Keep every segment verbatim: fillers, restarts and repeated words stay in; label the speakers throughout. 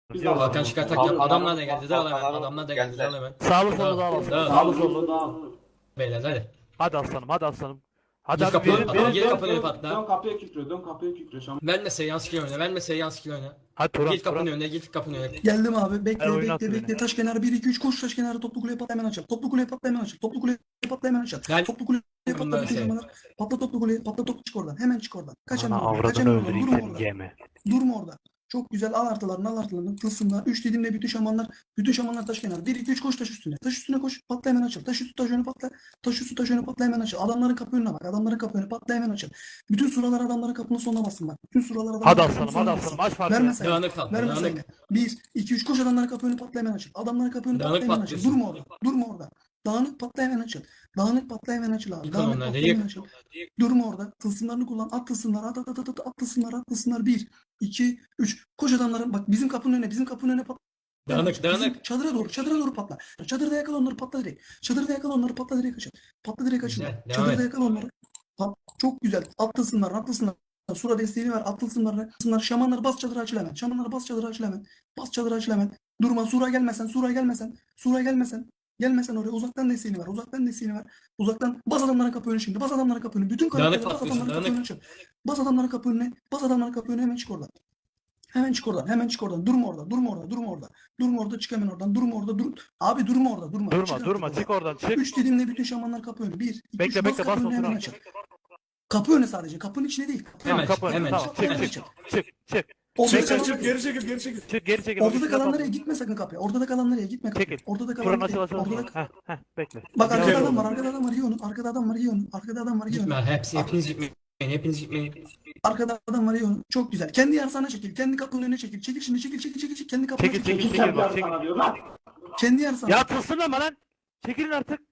Speaker 1: Hakan çıkar tak yap. Adamlar da geldi. Dağıl hemen. Adamlar da geldi. Dağıl hemen.
Speaker 2: Sağlı solu dağıl aslanım.
Speaker 1: Dağıl.
Speaker 3: Sağlı sollu dağıl.
Speaker 1: Beyler hadi.
Speaker 2: Hadi aslanım hadi aslanım. Hadi
Speaker 1: Gir
Speaker 2: hadi
Speaker 1: kapıyı
Speaker 2: verin
Speaker 1: patla.
Speaker 2: verin
Speaker 1: Gir
Speaker 2: verin.
Speaker 1: kapıyı patla.
Speaker 3: Dön kapıya kükrü, dön kapıya kükrü. Şam.
Speaker 1: Verme seans skill oyna. Verme seans skill oyna.
Speaker 2: Hadi Turan
Speaker 1: Git kapının
Speaker 2: Turan.
Speaker 1: önüne. Git kapının önüne.
Speaker 4: Geldim abi. Bekle
Speaker 2: Ay, oyun
Speaker 4: bekle
Speaker 2: attı
Speaker 4: bekle.
Speaker 2: beni.
Speaker 4: Taş kenarı bir iki üç koş taş kenarı toplu kuleye patla hemen açıl. Toplu kuleye patla hemen açıl. Toplu kuleye patla hemen açıl.
Speaker 1: Gel.
Speaker 4: Toplu kuleye patla
Speaker 1: Bunlar
Speaker 4: bütün
Speaker 1: şey.
Speaker 4: zamanlar. Patla toplu kuleye patla toplu çık oradan. Hemen çık oradan. Kaç
Speaker 2: Ana
Speaker 4: hemen oradan. Kaç
Speaker 2: avradını
Speaker 4: hemen oradan.
Speaker 2: öldüreyim
Speaker 4: Durma
Speaker 2: seni
Speaker 4: orada.
Speaker 2: yeme.
Speaker 4: Durma orada. Çok güzel al artılarını al artılarını tılsımlar. Üç dediğimde bütün şamanlar bütün şamanlar taş kenarı. Bir iki üç koş taş üstüne. Taş üstüne koş patla hemen açıl. Taş üstü taş önü patla. Taş üstü taş önü patla hemen açıl. Adamların kapı önüne bak. Adamların kapı önüne patla hemen açıl. Bütün suralar adamların kapının sonuna basın bak. Bütün suralar adamların
Speaker 2: Hadi
Speaker 4: kapının
Speaker 2: aslanım
Speaker 4: sonuna
Speaker 2: hadi
Speaker 4: bassın.
Speaker 2: aslanım aç farkını.
Speaker 4: Verme sayını.
Speaker 1: Dağınık patla.
Speaker 4: Verme
Speaker 1: Dağınık.
Speaker 4: sayını. bir, iki, üç koş adamların kapı önü patla hemen açıl. Adamların kapı önü patla
Speaker 1: Dağınık
Speaker 4: hemen açıl.
Speaker 1: patlıyorsun.
Speaker 4: Durma orada. Durma orada. Dağınık patla hemen açıl. Dağınık patla hemen açıl abi.
Speaker 1: Yıkıl
Speaker 4: Dağınık
Speaker 1: onları,
Speaker 4: patla
Speaker 1: yık.
Speaker 4: hemen açıl. Durma orada. Tılsımlarını kullan. At tılsımları. At at at at at. At tılsımları. At tılsımları. bir, iki, üç. Koş adamların. Bak bizim kapının önüne. Bizim kapının önüne patla.
Speaker 1: Dağınık
Speaker 4: Bizim
Speaker 1: dağınık.
Speaker 4: çadıra doğru. Çadıra doğru patla. Çadırda yakala onları patla direkt. Çadırda yakala onları patla direkt açıl. Patla direkt açıl.
Speaker 1: Güzel, devam
Speaker 4: Çadırda
Speaker 1: et.
Speaker 4: yakala onları. Pat. Çok güzel. At tılsımları. At tılsımları. Sura desteğini ver. At tılsımları. Tılsımları. Şamanları bas çadıra açıl hemen. Şamanları bas çadıra açıl hemen. Bas çadıra açıl hemen. Durma. Sura gelmesen. Sura gelmesen. Sura gelmesen. Gelmesen oraya uzaktan desteğini ver. Uzaktan desteğini ver. Uzaktan bas adamlara kapı önü şimdi. Bas adamlara kapı önü. Bütün
Speaker 1: Dağınık
Speaker 4: karakterleri bas
Speaker 1: patlıyorsun,
Speaker 4: adamlara kapı
Speaker 1: dağınık.
Speaker 4: önü açıl. Bas adamlara kapı önüne. Bas adamlara kapı önüne hemen çık oradan. Hemen çık oradan. Hemen çık oradan. Durma orada. Durma orada. Durma orada. Durma orada. Çık hemen oradan. Durma orada. Dur. Abi durma orada. Durma.
Speaker 2: Durma
Speaker 4: Çık
Speaker 2: durma
Speaker 4: artık
Speaker 2: çık
Speaker 4: oradan.
Speaker 2: oradan çık.
Speaker 4: Üç dediğimde bütün şamanlar kapı önü. Bir, iki,
Speaker 2: Bekle,
Speaker 4: üç.
Speaker 2: bekle,
Speaker 4: Bas
Speaker 2: bas
Speaker 4: kapı önüne
Speaker 2: Batuhan.
Speaker 4: hemen açıl. Kapı önü sadece. Kapının içine değil. Kapı
Speaker 2: Tamam
Speaker 1: Hemen
Speaker 2: kapı
Speaker 1: çık,
Speaker 2: önü,
Speaker 1: hemen
Speaker 2: tamam
Speaker 1: çık,
Speaker 2: çık
Speaker 1: hemen
Speaker 2: çık
Speaker 1: çık.
Speaker 2: çık çık.
Speaker 4: Ortada
Speaker 2: Bekle,
Speaker 4: kalan-
Speaker 2: çık,
Speaker 5: Geri çekil, geri çekil.
Speaker 2: Çık geri çekil.
Speaker 4: Ortada
Speaker 2: Ortada
Speaker 4: kalan nereye gitme sakın kapıya. Ortada kalan nereye gitme kapıya.
Speaker 2: Çekil.
Speaker 4: Ortada kalan
Speaker 2: Turan
Speaker 4: nereye?
Speaker 2: açıl açıl
Speaker 4: Ortada
Speaker 2: açıl. Heh heh bekle.
Speaker 4: Bak arkada
Speaker 5: Gel
Speaker 4: adam var.
Speaker 5: oğlum.
Speaker 4: Arkada adam var. Yiyonu. Arkada adam var. Yiyonu. Arkada adam var. Yiyonu.
Speaker 1: Gitme. Hepsi hepiniz gitmeyin. Hepiniz gitmeyin.
Speaker 4: Arkada adam var. Yiyonu. Çok güzel. Kendi yarsana çekil. Kendi kapının önüne çekil. Çekil şimdi. Çekil çekil çekil. çekil. Kendi kapına
Speaker 2: Çekil,
Speaker 4: çekil.
Speaker 2: çekil,
Speaker 3: Kim
Speaker 2: çekil. bak,
Speaker 3: yapar
Speaker 2: çek.
Speaker 3: sana diyor lan?
Speaker 4: Kendi yarsana.
Speaker 2: Ya tılsın ama lan. Çekilin artık.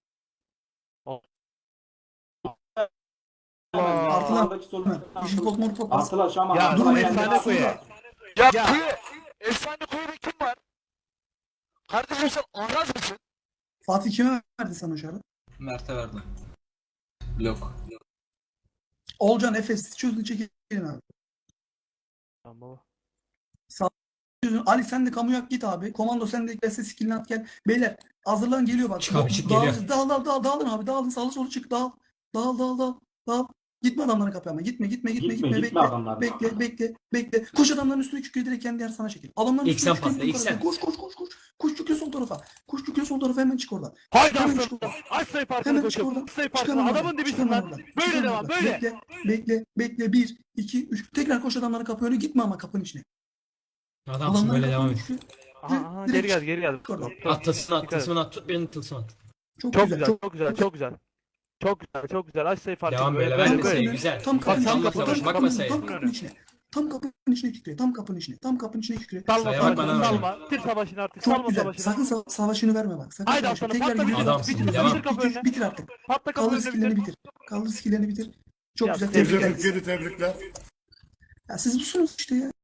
Speaker 4: Artılar.
Speaker 3: Sağdaki soluna.
Speaker 4: Yeşil pot mor pot.
Speaker 3: Artılar şaman.
Speaker 2: Ya
Speaker 3: artılar
Speaker 4: durma,
Speaker 3: geldi.
Speaker 2: efsane koyu.
Speaker 4: Sonra.
Speaker 6: Ya,
Speaker 2: Ya.
Speaker 6: kuyu, efsane kuyuda kim var? Kardeşim sen anraz mısın?
Speaker 4: Fatih kime verdi sana o şarkı?
Speaker 1: Mert'e verdim. Blok.
Speaker 4: Olcan Efes çözdü çekilin abi.
Speaker 2: Tamam baba.
Speaker 4: Çözün. Ali sen de kamuya git abi. Komando sen de gelse skillini at gel. Beyler hazırlan geliyor bak.
Speaker 1: Çık abi, çık,
Speaker 4: Dağıl-
Speaker 1: geliyor.
Speaker 4: Dağıl dağıl dağıl dağılın abi dağılın sağlı solu çık dağıl. Dağıl dağıl dağıl dağıl. Gitme adamların kapıya ama gitme gitme gitme
Speaker 3: Gitme,
Speaker 4: gitme,
Speaker 3: gitme
Speaker 4: bekle.
Speaker 3: adamların.
Speaker 4: Bekle bekle bekle. Koş adamların üstüne kükre direkt kendi yer sana çekil. Adamların
Speaker 1: İlk
Speaker 4: üstüne
Speaker 1: sen
Speaker 4: kükre
Speaker 1: patla,
Speaker 4: bütün
Speaker 1: ilk sen.
Speaker 4: karakter. Koş koş koş koş. Koş kükre sol tarafa. Koş kükre sol tarafa hemen çık oradan.
Speaker 2: Haydi
Speaker 4: Hemen
Speaker 2: aslanım.
Speaker 4: çık oradan.
Speaker 2: Aç sayı farkını
Speaker 4: Hemen çık oradan.
Speaker 2: koçum. Sayı
Speaker 4: Çık
Speaker 2: farkını.
Speaker 4: hemen oradan.
Speaker 2: Adamın
Speaker 4: Çık
Speaker 2: dibisin
Speaker 4: hemen
Speaker 2: lan.
Speaker 4: oradan. Çık
Speaker 2: Böyle
Speaker 4: hemen
Speaker 2: devam
Speaker 4: oradan.
Speaker 2: böyle.
Speaker 4: Bekle bekle bekle. Bir, iki, üç. Tekrar koş adamların kapı önüne gitme ama kapının içine.
Speaker 1: Adamsın
Speaker 4: Adamların
Speaker 1: böyle devam
Speaker 4: kapının
Speaker 1: et.
Speaker 4: içine.
Speaker 2: Aha, aha,
Speaker 4: Direkt
Speaker 2: geri gel
Speaker 4: çık.
Speaker 2: geri gel.
Speaker 4: Oradan.
Speaker 1: At tılsımını at.
Speaker 2: Dikkat et.
Speaker 1: Tılsımını at. Tut birini tılsım at.
Speaker 4: Çok,
Speaker 2: Çok
Speaker 4: güzel.
Speaker 2: güzel
Speaker 4: Çok
Speaker 2: çok güzel çok güzel. Çok güzel çok güzel. Aç sayı farkını.
Speaker 1: Devam böyle,
Speaker 2: Böyle
Speaker 1: ben
Speaker 2: böyle
Speaker 1: de
Speaker 2: böyle.
Speaker 1: sayı.
Speaker 4: kapının-
Speaker 1: güzel.
Speaker 4: Tam kapının
Speaker 2: Bak,
Speaker 4: içine,
Speaker 2: tam
Speaker 4: tam
Speaker 2: kapının-
Speaker 4: kapının
Speaker 1: bakma
Speaker 4: içine,
Speaker 1: sayı.
Speaker 4: tam kapının içine. Tam kapının içine kükre, tam kapının içine, tam kapının içine kükre.
Speaker 2: Salma
Speaker 1: Sayı
Speaker 2: savaşını
Speaker 1: bak bana
Speaker 2: salma. Tir savaşını artık
Speaker 4: Çok
Speaker 2: salma
Speaker 4: güzel.
Speaker 2: savaşını.
Speaker 4: Sakın sa- savaşını verme bak. Sakın
Speaker 2: Haydi
Speaker 4: savaşını.
Speaker 2: aslanım,
Speaker 4: Tekrar
Speaker 2: patla
Speaker 4: yürü.
Speaker 2: bir
Speaker 1: Adamsın,
Speaker 4: Bitir,
Speaker 1: devam.
Speaker 4: bitir,
Speaker 2: Kapı
Speaker 4: bitir,
Speaker 2: önüne.
Speaker 4: bitir artık.
Speaker 2: Patla kapı
Speaker 4: Kaldır
Speaker 2: önüne
Speaker 4: skillerini
Speaker 2: bitir.
Speaker 4: bitir. Kaldır skillerini bitir. Çok
Speaker 2: Ya,
Speaker 4: güzel.
Speaker 5: Tebrikler,
Speaker 4: Tebrikler.
Speaker 5: geri tebrikler.
Speaker 4: Ya siz busunuz işte ya.